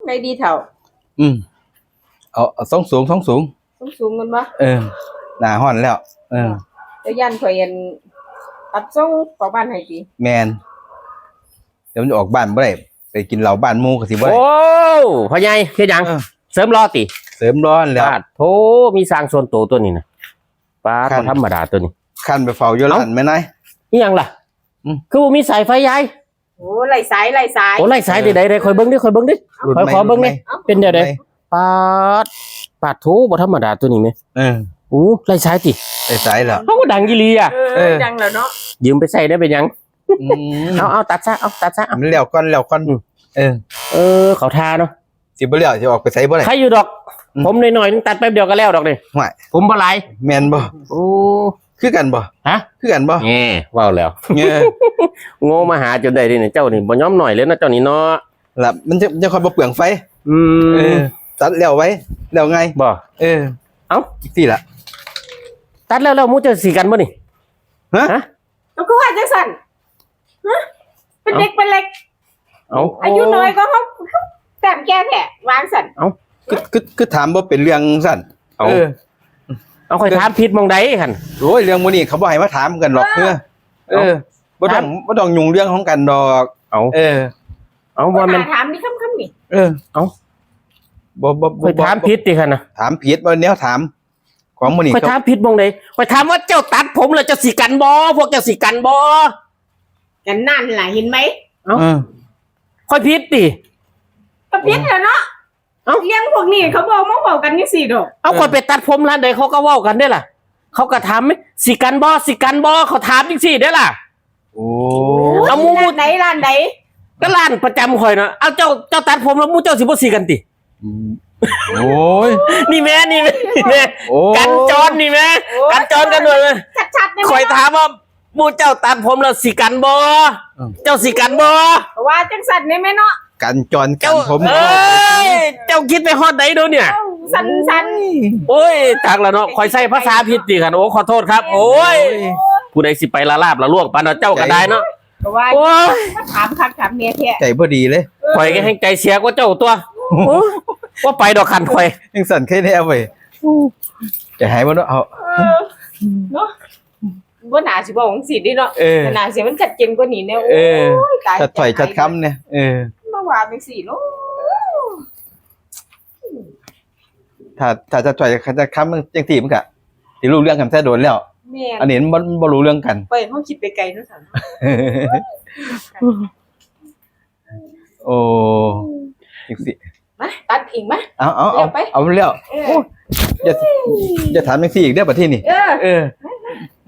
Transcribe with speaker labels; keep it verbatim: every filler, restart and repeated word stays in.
Speaker 1: ในดีเท่า
Speaker 2: อืมเอาสูงสูงสูงสูง
Speaker 1: สูงสูงกันปะ
Speaker 2: เออหนาห่อนแล้วเออ
Speaker 1: จะยันข่อยยันตัดส่งออกบ้านให้ดี
Speaker 2: แมนเดี๋ยวมันออกบ้านบ่ได้ไปกินเหล้าบ้านหมู่ก็สิบ่ได้
Speaker 3: โอ้พ่อใหญ่เฮ็ดหยังเสริมรอติ
Speaker 2: เสริมร้อนแล้ว
Speaker 3: โธ่มีสร้างส่วนตัวตัวนี้นะป้าบ่ธรรมดาตัวนี้
Speaker 2: คันไปเฝ้าอยู่ร้านแม่นาย
Speaker 3: อีหยังล่ะคือบ่มีสายไฟยาย
Speaker 1: โอ้ไหลสายไหลสาย
Speaker 3: โอ้ไหลสายใดๆค่อยเบิ่งดิค่อยเบิ่งดิค่อยขอเบิ่งดิเป็นเดี๋ยวใดปาดปาดโธ่บ่ธรรมดาตัวนี้แม่
Speaker 2: เออ
Speaker 3: โอ้ไหลสายติ
Speaker 2: ไหลสายแล้ว
Speaker 3: เฮาก็ดังอีหลีอ่ะ
Speaker 1: เออดังแล้วเนาะ
Speaker 3: ยืมไปใช้ได้เป็นหยังเอาเอาตัดซะเอาตัดซะ
Speaker 2: มันแล้วก่อนแล้วก่อนเออ
Speaker 3: เออเขาทาเนาะ
Speaker 2: สิบ่แล้วสิออกไปใส่บ่ได้
Speaker 3: ใครอยู่ดอกผมหน่อยๆนึงตัดแป๊บเดียวก็แล้วดอกนี่
Speaker 2: ห่วย
Speaker 3: ผมบ่หลาย
Speaker 2: แม่นบ่
Speaker 3: โอ้
Speaker 2: คือกันบ่
Speaker 3: ฮะ
Speaker 2: คือกันบ่
Speaker 3: แหมว้าวแล้ว
Speaker 2: เงี้ย
Speaker 3: โง่มาหาจนได้ดิเนี่ยเจ้านี่บ่ยอมหน่อยเลยนะเจ้านี่เนาะ
Speaker 2: ล่ะมันจะจะค่อยบ่เปลืองไฟ
Speaker 3: อืม
Speaker 2: เออตัดแล้วไว้แล้วไง
Speaker 3: บ่
Speaker 2: เออ
Speaker 3: เอ้า
Speaker 2: อีกทีล่ะ
Speaker 3: ตัดแล้วแล้วมู้จะสิกันบ่นี่
Speaker 2: ฮะ
Speaker 3: ฮะ
Speaker 1: เอาคือว่าจังซั่นฮะเป็นเด็กเป็นเล็ก
Speaker 3: เอ้า
Speaker 1: อายุน้อยก็เฮาแต้มแก่แท้วางซั่น
Speaker 2: เอ้าคือคือคือถามบ่เป็นเรื่องซั่นเออ
Speaker 3: เอาค่อยถามผิดมองใดคั่น
Speaker 2: โอ้ยเรื่องมื้อนี้เขาบ่ให้มาถามกันหรอกเออเออบ่ต้องบ่ต้องยุ่งเรื่องของกันดอก
Speaker 3: เอา
Speaker 2: เออ
Speaker 3: เอาบ่แม่น
Speaker 1: ถามนี่ค่ำๆนี่
Speaker 2: เออเอาบ่บ่
Speaker 3: ค่อยถามผิดติคั่นน่ะ
Speaker 2: ถามผิดบ่แนวถามของมื้อนี้
Speaker 3: ค่อยถามผิดมองใดค่อยถามว่าเจ้าตัดผมแล้วเจ้าสิกันบ่พวกเจ้าสิกันบ่
Speaker 1: กันนั่นล่ะเห็นมั้ย
Speaker 3: เอ้าค่อยผิดติ
Speaker 1: ก็ผิดแล้วเนาะเอ้าเรื่องพวกนี้เขาบอกมาเว้ากันจังซี่ดอก
Speaker 3: เอาค่อยไปตัดผมร้านใดเขาก็เว้ากันได้ล่ะเขาก็ถามมั้ยสิกันบ่สิกันบ่เขาถามจังซี่ได้ล่ะ
Speaker 2: โอ้
Speaker 1: เอาหมู่ไหนร้านใด
Speaker 3: ก็ร้านประจำข่อยเนาะเอาเจ้าเจ้าตัดผมแล้วหมู่เจ้าสิบ่สิกันติ
Speaker 2: โอ้ย
Speaker 3: นี่แม่นี่แม่กันจรนี่แม่กันจรกันหน่อยเลย
Speaker 1: ชัดๆได้
Speaker 3: ข่อยถามว่าหมู่เจ้าตัดผมแล้วสิกันบ่เจ้าสิกันบ่
Speaker 1: ว่าจังซั่นได้มั้ยเนาะ
Speaker 2: กันจรกันผม
Speaker 3: เอ้ยเจ้าคิดไปฮอดใดโดเนี่ย
Speaker 1: สั้น
Speaker 3: ๆโอ้ยจักแล้วเนาะข่อยใช้ภาษาผิดติคั่นโอ้ขอโทษครับโอ้ยผู้ใดสิไปละลาบละลวกปานเจ้าก็ได้เนาะ
Speaker 1: ว่าถามคักถามเมียแท้
Speaker 2: ใจบ่ดีเลย
Speaker 3: ข่อยก็แห่งใจเสียกว่าเจ้าตัวว่าไปดอกคันข่อย
Speaker 2: ยังสั่นแค่แนวเว้ยจะหายบ่เนาะเอา
Speaker 1: เนาะบ่น่าสิบอกจังซี่ดิเนาะน่าสิมันชัดเจนกว่านี้แน่โอ้
Speaker 2: ยตายชัดถ้อยชัดคำเนี่ยเออ
Speaker 1: มาว่าจังซี่เนาะ
Speaker 2: ถ้าถ้าจะถ้อยชัดคำมันจังซี่มันก็สิรู้เรื่องกันแท้โดนแล้วอันนี้มันบ่รู้เรื่องกัน
Speaker 1: ไปเฮาคิดไปไกลเนาะซั่น
Speaker 2: โอ้จังซี่
Speaker 1: มาตัดอีกมั้ย
Speaker 2: เอาเอาเอาเอาแล้วอย่าอย่าถามจังซี่อีกเด้อบัดทีนี้
Speaker 1: เออ
Speaker 2: เออ
Speaker 1: ว